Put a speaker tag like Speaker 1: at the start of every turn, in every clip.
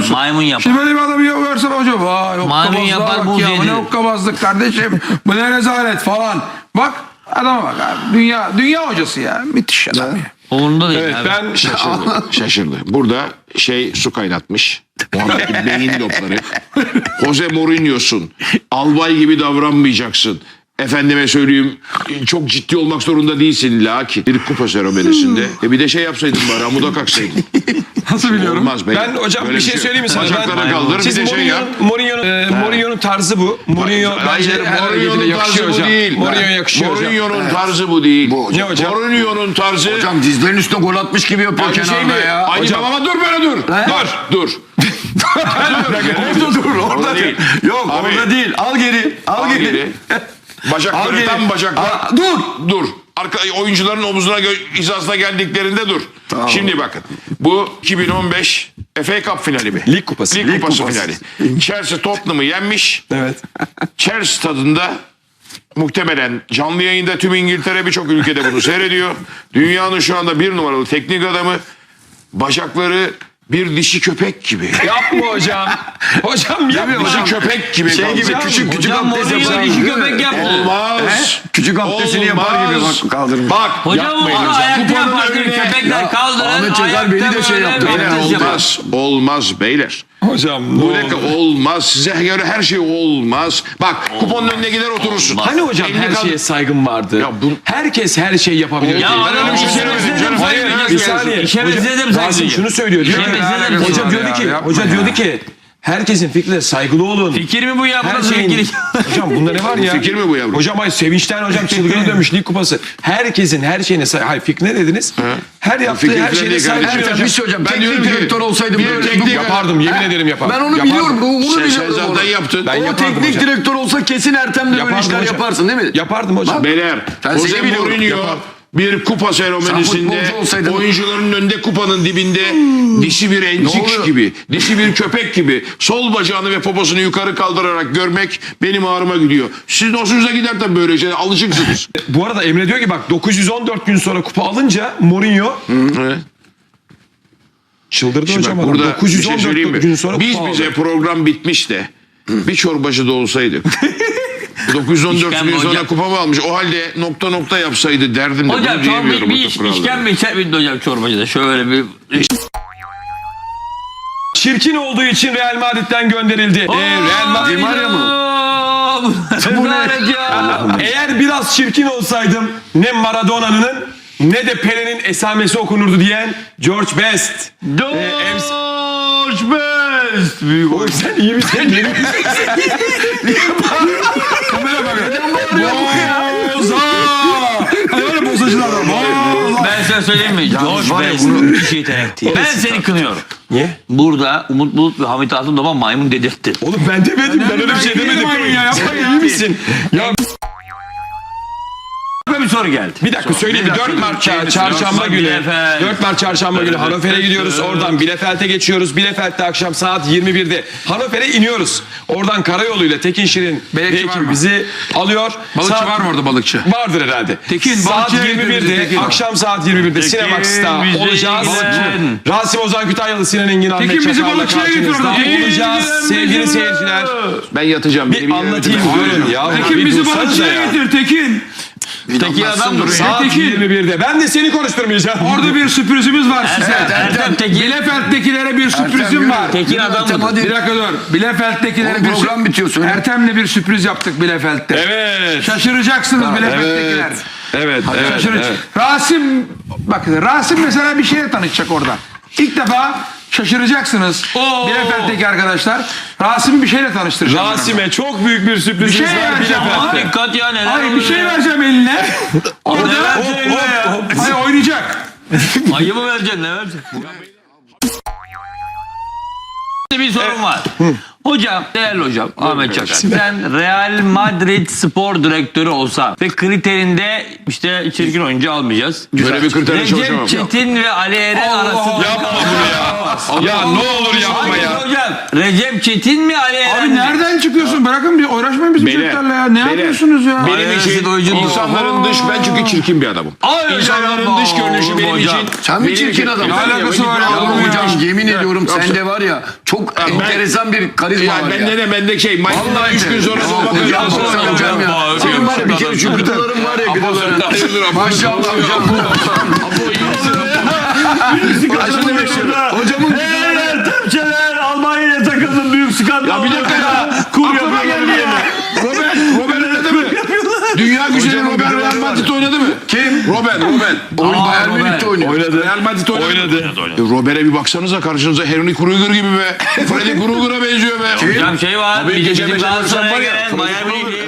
Speaker 1: musun?
Speaker 2: maymun yapar.
Speaker 1: Şimdi böyle bir adamı görsen hoca vay
Speaker 2: Maymun yapar,
Speaker 1: bak
Speaker 2: buz
Speaker 1: ya. Bu
Speaker 2: yedi.
Speaker 1: ne hokkabazlık kardeşim. Bu ne rezalet falan. Bak adama bak abi. Dünya hocası ya. Müthiş adam ya.
Speaker 2: Umurunda değil
Speaker 3: Evet,
Speaker 2: abi.
Speaker 3: ben
Speaker 4: Şaşırdı. Burada su kaynatmış. Muhammed'in beyin lobları. Jose Mourinho'sun. Albay gibi davranmayacaksın. Efendime söyleyeyim çok ciddi olmak zorunda değilsin lakin bir kupa seremonisinde. Bir de yapsaydın bari amuda kalksaydın.
Speaker 1: Nasıl biliyorum?
Speaker 4: Olmaz beyler.
Speaker 3: Ben hocam
Speaker 4: Böyle
Speaker 3: bir şey söyleyeyim mi sana?
Speaker 4: Bacakları kaldır bir
Speaker 3: Siz
Speaker 4: de yap.
Speaker 3: Mourinho'nun tarzı bu. Mourinho bence
Speaker 4: Hayır,
Speaker 3: her hareketine
Speaker 4: Mourinho'nun
Speaker 3: yakışıyor
Speaker 4: tarzı bu
Speaker 3: hocam.
Speaker 4: değil.
Speaker 3: Mourinho'ya yakışıyor hocam.
Speaker 4: Mourinho'nun tarzı bu değil.
Speaker 5: Bu hocam.
Speaker 3: Ne hocam?
Speaker 4: Mourinho'nun tarzı...
Speaker 5: Hocam dizlerin üstüne gol atmış gibi yapıyor
Speaker 4: Aynı şey
Speaker 5: kenarda
Speaker 4: mi?
Speaker 5: ya.
Speaker 4: Aynı
Speaker 3: Hocam.
Speaker 4: ama dur böyle dur. Dur.
Speaker 5: Orada dur orada
Speaker 4: Orada
Speaker 5: değil.
Speaker 4: değil.
Speaker 5: Yok
Speaker 4: Abi.
Speaker 5: orada değil. Al geri. Al geri.
Speaker 4: Geri. Bacakları
Speaker 5: Al geri.
Speaker 4: tam bacaklar.
Speaker 5: Dur.
Speaker 4: Dur. Oyuncuların omuzuna hizasına geldiklerinde dur.
Speaker 5: Tamam.
Speaker 4: Şimdi bakın. Bu 2015 FA Cup finali mi?
Speaker 3: Lig kupası.
Speaker 4: Lig kupası finali. Chelsea Tottenham'ı yenmiş.
Speaker 3: Evet.
Speaker 4: Chelsea tadında muhtemelen canlı yayında tüm İngiltere birçok ülkede bunu seyrediyor. Dünyanın şu anda bir numaralı teknik adamı. Bacakları bir dişi köpek gibi.
Speaker 3: Yapma hocam. Hocam yapma.
Speaker 4: Dişi köpek gibi.
Speaker 5: Şey gibi
Speaker 4: kaldı.
Speaker 5: küçük
Speaker 2: Hocam
Speaker 5: abdest
Speaker 2: Mourinho
Speaker 5: yapar.
Speaker 2: dişi köpek yaptı.
Speaker 4: Olmaz.
Speaker 5: Küçük abdestini yapar gibi
Speaker 4: Olmaz.
Speaker 5: bak kaldırmış.
Speaker 4: Bak
Speaker 2: Hocam
Speaker 4: yapmayın
Speaker 2: onu
Speaker 4: hocam.
Speaker 2: ayakta
Speaker 4: Kupanın
Speaker 2: yapar.
Speaker 4: önüne-
Speaker 2: Köpekler kaldırır.
Speaker 5: Ahmet Çakar beni de
Speaker 2: ayakta
Speaker 5: şey
Speaker 2: böyle
Speaker 5: yaptı.
Speaker 4: Beyler
Speaker 2: abdest yapar.
Speaker 4: olmaz. Olmaz beyler.
Speaker 3: Hocam
Speaker 4: Bu ne olmaz. Size göre her şey olmaz. Bak kuponun önüne gider oturursun.
Speaker 3: Hani hocam
Speaker 4: Elini
Speaker 3: her
Speaker 4: kaldır-
Speaker 3: şeye saygım vardı.
Speaker 4: Ya bu-
Speaker 3: Herkes her şeyi yapabilir.
Speaker 2: Ya
Speaker 4: Ben öyle bir şey söylemedim canım.
Speaker 3: Hayır,
Speaker 2: Saygı
Speaker 3: bir
Speaker 2: duyacağız.
Speaker 3: saniye.
Speaker 2: İşe
Speaker 3: Hocam,
Speaker 2: benzedim
Speaker 3: Rasim
Speaker 2: saygı.
Speaker 3: şunu söylüyor. Diyor ki,
Speaker 2: İşe benzedim
Speaker 3: hoca
Speaker 2: saygı.
Speaker 3: diyordu ki,
Speaker 1: Yapma
Speaker 3: hoca
Speaker 1: ya.
Speaker 3: diyordu ki herkesin fikrine saygılı olun.
Speaker 2: Fikir mi bu ya?
Speaker 3: Her
Speaker 2: Burası
Speaker 3: şeyin...
Speaker 2: fikir.
Speaker 3: Hocam bunda ne var ya?
Speaker 4: Fikir mi bu yavrum?
Speaker 3: Hocam hayır sevinçten hocam çılgına dönmüş lig kupası. Herkesin her şeyine saygı... Hayır fikri ne dediniz? Her yaptığı
Speaker 4: Fikir
Speaker 3: her
Speaker 4: falan
Speaker 3: şeyine
Speaker 4: değil
Speaker 3: saygı
Speaker 4: kardeşim.
Speaker 3: duyuyor
Speaker 5: Bir
Speaker 3: hocam.
Speaker 5: şey hocam.
Speaker 4: Ben diyorum
Speaker 5: Teknik
Speaker 4: ki,
Speaker 5: direktör olsaydım
Speaker 4: bir
Speaker 5: böyle.
Speaker 4: teknik-
Speaker 3: Yapardım yemin ederim yapardım.
Speaker 5: Ben onu
Speaker 3: Yapardım.
Speaker 5: biliyorum. Bunu
Speaker 4: Sen
Speaker 5: biliyorum.
Speaker 4: zaten
Speaker 5: onu.
Speaker 4: yaptın.
Speaker 3: Ben
Speaker 5: O
Speaker 3: yapardım
Speaker 5: teknik
Speaker 3: hocam.
Speaker 5: direktör olsa kesin Ertem de böyle
Speaker 3: Yapardım
Speaker 5: işler
Speaker 3: hocam.
Speaker 5: yaparsın değil mi?
Speaker 3: Yapardım hocam.
Speaker 4: Beyler,
Speaker 5: Ben
Speaker 4: Jose
Speaker 5: seni biliyorum.
Speaker 4: Mourinho
Speaker 3: Yapar.
Speaker 4: bir kupa seremonisinde
Speaker 5: futbolcu olsaydın-
Speaker 4: oyuncuların önünde kupanın dibinde dişi bir
Speaker 5: Ne
Speaker 4: entik
Speaker 5: oluyor?
Speaker 4: gibi, dişi bir köpek gibi sol bacağını ve poposunu yukarı kaldırarak görmek benim ağrıma gidiyor. Sizin hoşunuza gider tabii böyle şeyler, alışıksınız.
Speaker 3: Bu arada Emre diyor ki bak 914 gün sonra kupa alınca Mourinho
Speaker 4: Evet.
Speaker 3: çıldırdı
Speaker 4: Şimdi
Speaker 3: hocam
Speaker 4: bak
Speaker 3: adam.
Speaker 4: burada bir şey
Speaker 3: 914
Speaker 4: söyleyeyim mi?
Speaker 3: gün sonra
Speaker 4: Biz
Speaker 3: kupa
Speaker 4: bize
Speaker 3: aldı.
Speaker 4: program bitmiş de bir çorbacıda olsaydık. 914
Speaker 2: İşkembe
Speaker 4: gün sonra
Speaker 2: hocam.
Speaker 4: kupamı almış. O halde nokta nokta yapsaydı derdim de
Speaker 2: Hocam
Speaker 4: bunu
Speaker 2: çorba
Speaker 4: diyemiyorum.
Speaker 2: bir
Speaker 4: bu
Speaker 2: iş,
Speaker 4: kuralları.
Speaker 2: işkembe içer miydi hocam çorbacıda? Şöyle bir...
Speaker 3: Çirkin olduğu için Real Madrid'den gönderildi. Real Madrid
Speaker 5: Di Maria mı?
Speaker 2: Rezalet ya.
Speaker 3: eğer biraz çirkin olsaydım ne Maradona'nın ne de Pele'nin esamesi okunurdu diyen George Best.
Speaker 2: George Best. Büyük
Speaker 3: Oğlum sen iyi misin?
Speaker 1: Boza! Hani öyle bozacılar var. Boza!
Speaker 2: Ben sana söyleyeyim mi? George
Speaker 5: var ya
Speaker 2: Best müthiş yetenekti. Ben seni kınıyorum.
Speaker 3: Niye?
Speaker 2: Burada Umut Bulut ve Hamit Altındoğan maymun dedirtti.
Speaker 3: Oğlum ben demedim. Ben öyle bir şey
Speaker 1: değilim
Speaker 3: demedim.
Speaker 1: maymun ya, yapma
Speaker 3: Sen
Speaker 1: ya.
Speaker 3: iyi misin? Ya
Speaker 2: Bir soru geldi.
Speaker 3: bir dakika söyleyeyim. 4 Mart çarşamba günü.
Speaker 2: Bielefeld.
Speaker 3: 4 Mart çarşamba günü Hannover'e gidiyoruz. Oradan Bielefeld'e geçiyoruz. Bielefeld'de akşam saat 21'de Hannover'e iniyoruz. Oradan karayoluyla Tekin Şirin
Speaker 1: Balıkçı
Speaker 3: ve
Speaker 1: var
Speaker 3: ekibi
Speaker 1: mı?
Speaker 3: bizi alıyor.
Speaker 1: Balıkçı var mı orada balıkçı?
Speaker 3: Vardır herhalde.
Speaker 1: Tekin,
Speaker 3: saat
Speaker 1: balıkçıya götür bizi,
Speaker 3: 21'de
Speaker 1: Tekin.
Speaker 3: akşam saat 21'de Sinemax'ta
Speaker 2: bizi
Speaker 3: olacağız.
Speaker 2: götür.
Speaker 3: Rasim Ozan Kütahyalı, Sinan Engin, Ahmet
Speaker 1: Tekin, bizi
Speaker 3: Çakar'la
Speaker 1: balıkçıya götür
Speaker 3: karşınızda
Speaker 1: orada.
Speaker 3: olacağız. Sevgili seyirciler.
Speaker 4: Ben yatacağım.
Speaker 3: Bir anlatayım görün ya.
Speaker 1: Tekin
Speaker 3: Bir
Speaker 1: bizi
Speaker 3: dursanıza
Speaker 1: balıkçıya
Speaker 3: ya.
Speaker 1: getir Tekin.
Speaker 2: Tekin adam duruyor.
Speaker 3: Saat
Speaker 1: Tekin.
Speaker 3: 21'de. Ben de seni konuşturmayacağım.
Speaker 1: Orada bir sürprizimiz var size.
Speaker 2: Ertem Tekin.
Speaker 1: Bielefeld'dekilere bir sürprizim
Speaker 5: yürü.
Speaker 1: var.
Speaker 2: Tekin adam
Speaker 5: Ertem,
Speaker 2: mı?
Speaker 5: hadi.
Speaker 1: Bir dakika dur. Bielefeld'dekilere
Speaker 5: Oğlum,
Speaker 1: bir
Speaker 5: program bitiyor, söyle.
Speaker 1: Ertem'le bir sürpriz yaptık Bielefeld'de.
Speaker 3: Evet.
Speaker 1: Şaşıracaksınız Bielefeld'dekiler.
Speaker 3: Evet.
Speaker 1: Şaşıracak. Rasim, bakın Rasim mesela bir şeyle tanışacak orada. İlk defa şaşıracaksınız. Bielefeld'deki arkadaşlar. Rasim'i bir şeyle tanıştıracağım. ben ona.
Speaker 3: Rasim'e çok büyük bir sürprizimiz
Speaker 1: Bir şey
Speaker 3: var
Speaker 1: vereceğim ama.
Speaker 3: Bielefeld'de.
Speaker 2: Dikkat ya neler
Speaker 1: Hayır bir
Speaker 2: oluyor
Speaker 1: şey
Speaker 2: ya?
Speaker 1: vereceğim eline. Orada hayır oynayacak.
Speaker 2: Ayı mı vereceksin ne vereceksin? Bir sorum var. Hocam, değerli hocam Ahmet Çakar. Sen Real Madrid spor direktörü olsan ve kriterinde işte çirkin oyuncu almayacağız.
Speaker 4: Böyle bir kriterle çalışamam.
Speaker 2: Recep Çetin ve Ali Eren arasında.
Speaker 3: Yapma bunu ya.
Speaker 1: olmaz.
Speaker 3: Ya ne olur yapma
Speaker 2: Hayır
Speaker 3: ya.
Speaker 2: hocam. Recep Çetin mi Ali Eren
Speaker 1: Abi
Speaker 2: mi?
Speaker 1: nereden çıkıyorsun? Bırakın bir uğraşmayın bizim
Speaker 4: Beyler,
Speaker 1: çocuklarla ya. Ne
Speaker 4: beyler.
Speaker 1: yapıyorsunuz ya?
Speaker 4: Benim
Speaker 2: Aynen,
Speaker 4: için
Speaker 2: siz oyuncu
Speaker 4: insanların dış, ben çünkü çirkin bir adamım.
Speaker 2: Ay,
Speaker 4: İnsanların
Speaker 2: hocam,
Speaker 4: dış görünüşü benim
Speaker 2: hocam.
Speaker 4: için.
Speaker 5: Sen mi
Speaker 4: benim
Speaker 5: çirkin
Speaker 4: için-
Speaker 5: adam?
Speaker 1: Ne alakası var ya?
Speaker 5: Ya
Speaker 1: Oğlum ya.
Speaker 5: hocam yemin ediyorum
Speaker 4: Yoksa-
Speaker 5: sende var ya çok enteresan bir karizma
Speaker 4: Ya
Speaker 5: var
Speaker 4: bende
Speaker 5: ya.
Speaker 4: de bende şey. Maymundan
Speaker 5: Vallahi
Speaker 4: 3 gün sonra
Speaker 5: hocam,
Speaker 4: dolma
Speaker 5: hocam,
Speaker 4: kırıyorsun.
Speaker 5: hocam ya. Senin var ya bir kere şu gıdaların var ya gıdaların. Maşallah hocam. Hocamın
Speaker 2: Hey Ertemçeler Almanya'ya takıldım büyük skandal.
Speaker 4: Ya bir dakika ya.
Speaker 2: Kur
Speaker 4: Aklıma
Speaker 2: yapıyorlar
Speaker 4: geldi
Speaker 2: bir
Speaker 4: ya.
Speaker 2: yerine.
Speaker 4: Robert oynadı mı? Dünya güzeli
Speaker 5: Hocamın
Speaker 4: Robert
Speaker 5: gıdaları
Speaker 4: Real
Speaker 5: var.
Speaker 4: Madrid oynadı mı?
Speaker 5: Kim?
Speaker 4: Robert.
Speaker 5: Oyun Bayern Münih'te oynuyor.
Speaker 4: Real Madrid oynadı. Robert'e bir baksanıza karşınıza Henry Kruger gibi be. Freddy Krueger'a benziyor be.
Speaker 2: Hocam şey var.
Speaker 4: Abi
Speaker 2: Bir
Speaker 4: gece
Speaker 2: bizim
Speaker 4: mesela
Speaker 2: Galatasaray'a
Speaker 4: var ya,
Speaker 2: gelen Bayern Münih'li.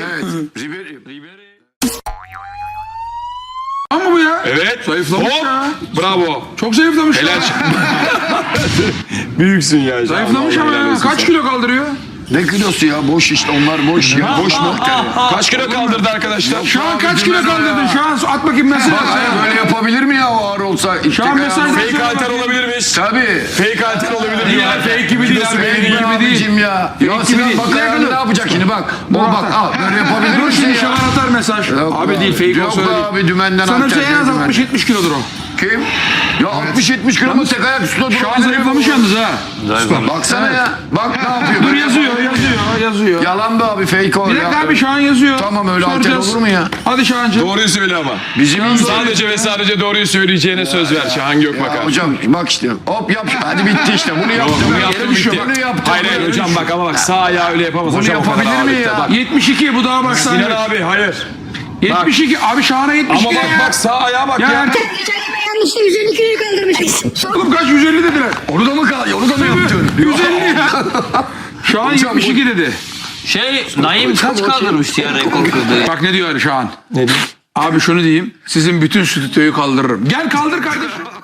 Speaker 1: Ama bu ya.
Speaker 3: Evet.
Speaker 1: Zayıflamış
Speaker 3: Hop.
Speaker 1: ya.
Speaker 3: Bravo.
Speaker 1: Çok zayıflamış ya.
Speaker 3: Helal. Büyüksün ya.
Speaker 1: Zayıflamış ama ya. Kaç kilo kaldırıyor?
Speaker 5: Ne kilosu ya boş işte onlar boş ya. Boş mu?
Speaker 3: Kaç kilo kaldırdı arkadaşlar?
Speaker 1: Şu an
Speaker 5: Abi
Speaker 1: kaç kilo
Speaker 5: dinleme
Speaker 1: kaldırdın?
Speaker 5: ya.
Speaker 1: Şu an at bakayım mesaj.
Speaker 5: Hayır böyle yapabilir mi ya o ağır olsa?
Speaker 1: Şu an mesaj
Speaker 3: Fake alter olabilir miyiz?
Speaker 5: Tabii.
Speaker 3: Fake alter olabilir mi?
Speaker 1: Ya fake gibi değil abi.
Speaker 5: Fake
Speaker 1: Fake
Speaker 5: gibi
Speaker 1: gibi değil.
Speaker 5: abicim ya. Ya Sinan
Speaker 1: değil.
Speaker 5: bak
Speaker 1: Bir dakika
Speaker 5: ayağını
Speaker 1: dur.
Speaker 5: ne yapacak şimdi bak. O bak al böyle yapabilir
Speaker 1: Dur
Speaker 5: misin
Speaker 1: şimdi
Speaker 5: ya?
Speaker 1: Şahan atar mesaj.
Speaker 5: Yok
Speaker 1: Abi
Speaker 5: be
Speaker 1: değil fake
Speaker 5: Yok
Speaker 1: olsa
Speaker 5: be
Speaker 1: öyle değil.
Speaker 5: abi dümenden
Speaker 1: Sanırsa en az
Speaker 5: dümen.
Speaker 1: 60-70 kilodur o.
Speaker 5: Kim? Ya 60-70 kilo mu tek ayak üstüne
Speaker 1: Şu an zayıflamış yalnız ha.
Speaker 5: Baksana ya. Bak ne yapıyor.
Speaker 1: Dur
Speaker 5: Böyle
Speaker 1: yazıyor.
Speaker 5: Yalan be abi fake o
Speaker 1: Bir
Speaker 5: ya.
Speaker 1: dakika abi Şahan yazıyor.
Speaker 5: Tamam öyle alter
Speaker 1: Soracağız.
Speaker 5: olur mu ya?
Speaker 1: Hadi Şahancığım.
Speaker 3: Doğruyu söyle ama.
Speaker 5: Bizim
Speaker 3: Sadece ve sadece doğruyu söyleyeceğine söz ver Şahan Gökbakan.
Speaker 5: Ya hocam bak işte hop yap hadi bitti işte bunu yaptım.
Speaker 3: Bunu yaptım bitti.
Speaker 5: Bunu yaptım.
Speaker 3: Hayır hayır hocam bak ama bak sağ ayağı öyle yapamaz
Speaker 5: Bunu
Speaker 3: hocam. o kadar
Speaker 5: yapabilir mi
Speaker 3: ağırlıkta.
Speaker 5: ya?
Speaker 3: Bak.
Speaker 1: 72 bu daha başlangıç.
Speaker 3: Sinan abi hayır.
Speaker 1: 72 abi Şahan'a 72
Speaker 3: Ama bak
Speaker 1: ya.
Speaker 3: bak sağ ayağa bak
Speaker 1: Ya
Speaker 3: ya.
Speaker 1: erkek
Speaker 6: Yanlışlıkla 150 kiloyu kaldırmışız.
Speaker 1: oğlum kaç 150 dediler.
Speaker 5: Onu da mı kaldı? Onu da mı yaptın?
Speaker 1: 150 ya. Şahan 72 dedi.
Speaker 2: Şey Naim kaç kaldırmıştı ya rekor kırdı.
Speaker 1: Bak ne diyor Şahan. Ne diyor? Abi şunu diyeyim. Sizin bütün stüdyoyu kaldırırım. Gel kaldır kardeşim.